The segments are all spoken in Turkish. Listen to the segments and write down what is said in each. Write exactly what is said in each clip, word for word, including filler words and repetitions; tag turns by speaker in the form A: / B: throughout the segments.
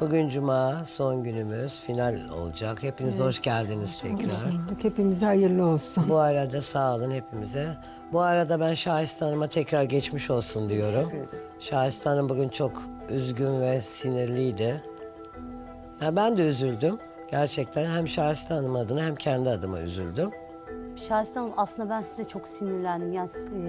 A: Bugün Cuma, son günümüz, final olacak. Hepiniz hoş geldiniz tekrar.
B: Hepimize hayırlı olsun.
A: Bu arada sağ olun hepimize. Bu arada ben Şahiste Hanım'a tekrar geçmiş olsun diyorum. Şahiste Hanım bugün çok üzgün ve sinirliydi. Ya ben de üzüldüm. Gerçekten hem Şahiste Hanım adına hem kendi adıma üzüldüm.
C: Şahiste Hanım, aslında ben size çok sinirlendim. Ya, e,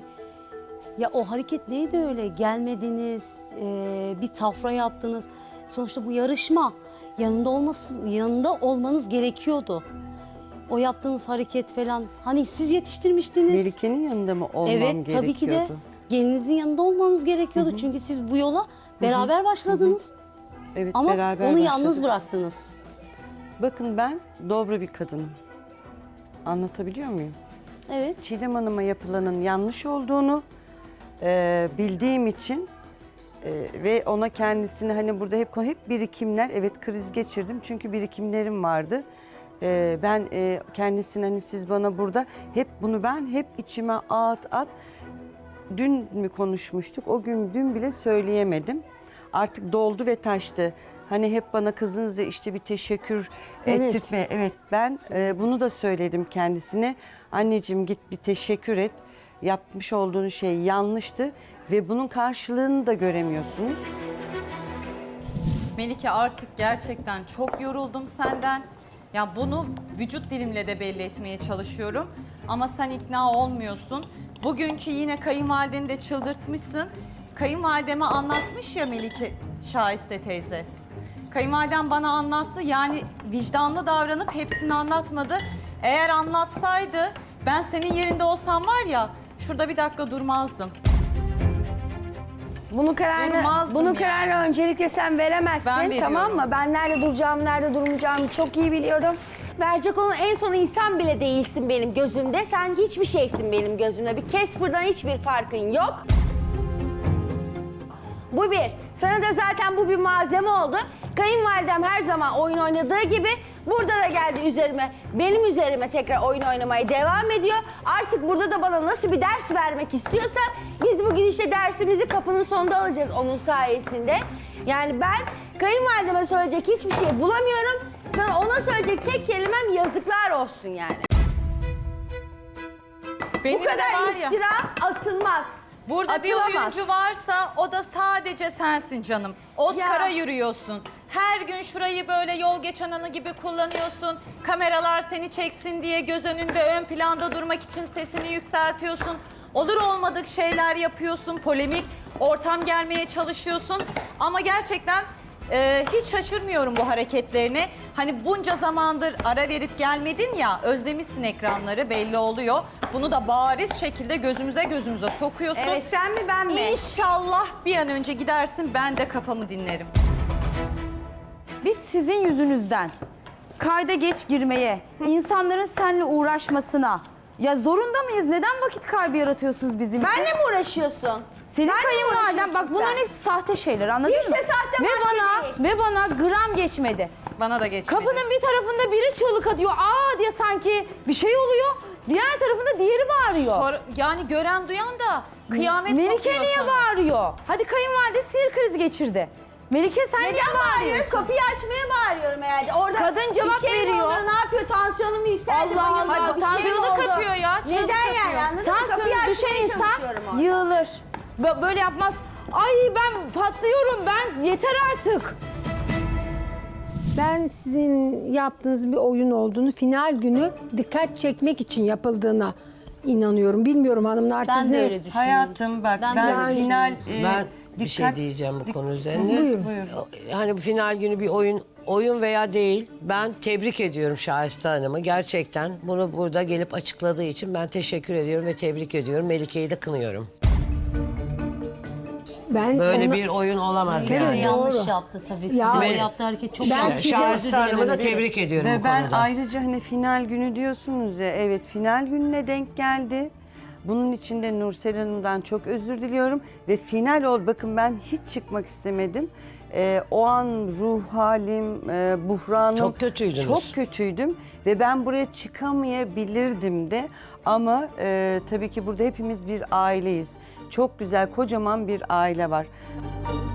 C: ya o hareket neydi öyle? Gelmediniz, e, bir tafra yaptınız. Sonuçta bu yarışma. Yanında olması, yanında olmanız gerekiyordu. O yaptığınız hareket falan. Hani siz yetiştirmiştiniz.
D: Melike'nin yanında mı olmam
C: Evet,
D: gerekiyordu?
C: tabii ki de gelinizin yanında olmanız gerekiyordu. Hı hı. Çünkü siz bu yola beraber başladınız.
D: Hı hı. Evet,
C: Ama
D: beraber
C: onu
D: başladık.
C: yalnız bıraktınız.
D: Bakın ben dobra bir kadınım. Anlatabiliyor muyum?
C: Evet.
D: Çiğdem Hanım'a yapılanın yanlış olduğunu e, bildiğim için e, ve ona kendisini hani burada hep hep birikimler, evet kriz geçirdim çünkü birikimlerim vardı. E, ben e, kendisini hani siz bana burada hep bunu ben hep içime at at dün mü konuşmuştuk? O gün dün bile söyleyemedim. Artık doldu ve taştı. Hani hep bana kızınızla işte bir teşekkür
B: Evet.
D: ettirme. Evet, ben e, bunu da söyledim kendisine. Anneciğim git bir teşekkür et. Yapmış olduğun şey yanlıştı ve bunun karşılığını da göremiyorsunuz.
E: Melike, artık gerçekten çok yoruldum senden. Ya bunu vücut dilimle de belli etmeye çalışıyorum. Ama sen ikna olmuyorsun. Bugünkü yine kayınvalideni de çıldırtmışsın. Kayınvalideme anlatmış ya Melike, Şahiste teyze. Kayınvalidem bana anlattı. Yani vicdanlı davranıp hepsini anlatmadı. Eğer anlatsaydı ben senin yerinde olsam var ya şurada bir dakika durmazdım.
F: Bunun kararını,
E: Durmazdım
F: bunun
E: yani.
F: kararını öncelikle sen veremezsin,
E: Ben veriyorum.
F: tamam mı? Ben nerede duracağımı, nerede durmayacağımı çok iyi biliyorum. Verecek olan en son insan bile değilsin benim gözümde. Sen hiçbir şeysin benim gözümde. Bir Casper'dan hiçbir farkın yok. Bu bir. Sana da zaten bu bir malzeme oldu. Kayınvalidem her zaman oyun oynadığı gibi burada da geldi üzerime, benim üzerime tekrar oyun oynamaya devam ediyor. Artık burada da bana nasıl bir ders vermek istiyorsa biz bu gidişle dersimizi kapının sonunda alacağız onun sayesinde. Yani ben kayınvalideme söyleyecek hiçbir şey bulamıyorum. Sana ona söyleyecek tek kelimem yazıklar olsun yani.
E: Benim
F: bu
E: de
F: kadar
E: var ya,
F: iftira atılmaz.
E: burada bir
F: Atılamaz.
E: oyuncu varsa o da sadece sensin canım. Oscar'a
F: Ya.
E: yürüyorsun. Her gün şurayı böyle yol geçen anı gibi kullanıyorsun. Kameralar seni çeksin diye göz önünde ön planda durmak için sesini yükseltiyorsun. Olur olmadık şeyler yapıyorsun, polemik ortam gelmeye çalışıyorsun. Ama gerçekten e, hiç şaşırmıyorum bu hareketlerine. Hani bunca zamandır ara verip gelmedin ya, özlemişsin ekranları, belli oluyor. Bunu da bariz şekilde gözümüze gözümüze sokuyorsun.
F: Evet, sen mi ben mi?
E: İnşallah bir an önce gidersin, ben de kafamı dinlerim.
G: Biz sizin yüzünüzden kayda geç girmeye, insanların seninle uğraşmasına ya zorunda mıyız? Neden vakit kaybı yaratıyorsunuz bizim için?
F: Benle mi uğraşıyorsun?
G: Senin
F: Benle mi
G: kayınvaliden bak
F: uğraşıyorsun
G: bunların
F: sen?
G: hepsi sahte şeyler, anladın
F: Hiç
G: mı?
F: de sahte
G: ve
F: maske
G: bana
F: değil.
G: ve bana gram geçmedi.
E: Bana da geçmedi.
G: Kapının bir tarafında biri çığlık atıyor. Aa diye sanki bir şey oluyor. Diğer tarafında diğeri bağırıyor.
E: Sor- yani gören duyan da kıyamet
G: Melike
E: kopuyor
G: niye
E: sana.
G: bağırıyor? Hadi kayınvalide sinir krizi geçirdi. Melike sen niye
F: Neden bağırıyorum?
G: bağırıyorsun?
F: Kapıyı açmaya bağırıyorum herhalde. Orada
G: Kadın cevap
F: bir şey mi
G: veriyor.
F: oldu? Ne yapıyor? Tansiyonum yükseldi.
G: Allah
F: bayıldı,
G: Allah,
F: bir şey mi
E: tansiyonu
F: oldu?
E: katıyor ya, çığlık
F: Neden yani
E: atıyor.
F: anladın mı? Kapıyı
G: Tansiyonu düşen
F: açmaya
G: insan
F: çalışıyorum orada.
G: yığılır. Bö- Böyle yapmaz. Ay ben patlıyorum, ben yeter artık.
B: Ben sizin yaptığınız bir oyun olduğunu, final günü dikkat çekmek için yapıldığına inanıyorum. Bilmiyorum hanımlar siz
C: Ben
B: ne?
C: de öyle düşünüyorum.
D: Hayatım bak
C: Ben
D: ben,
C: de öyle
D: final...
A: Ben
D: e,
A: bir şey
D: dikkat-
A: diyeceğim bu
D: dik-
A: konu üzerine.
B: Buyurun.
D: Buyur.
A: Hani bu final günü bir oyun oyun veya değil. Ben tebrik ediyorum Şahiste Hanım'ı. Gerçekten bunu burada gelip açıkladığı için ben teşekkür ediyorum ve tebrik ediyorum. Melike'yi de kınıyorum.
B: Ben
A: Böyle
B: ona-
A: bir oyun olamaz
B: Evet,
A: yani.
C: Yanlış
B: doğru.
C: yaptı tabii.
B: Ya-
C: Sizin o
A: Ve-
C: yaptığı hareket çok
B: Ben
C: yanlış.
B: Çiğdem-
A: Şahiste Hanım'ı da
C: dilemeniz.
A: tebrik ediyorum
D: Ve
A: bu
D: ben
A: konuda.
D: ayrıca hani final günü diyorsunuz ya, evet final gününe denk geldi. Bunun için de Nursel Hanım'dan çok özür diliyorum. Ve final ol, bakın ben hiç çıkmak istemedim. Ee, o an ruh halim, e, buhranım.
A: Çok kötüydünüz.
D: Çok kötüydüm ve ben buraya çıkamayabilirdim de. Ama e, tabii ki burada hepimiz bir aileyiz. Çok güzel, kocaman bir aile var.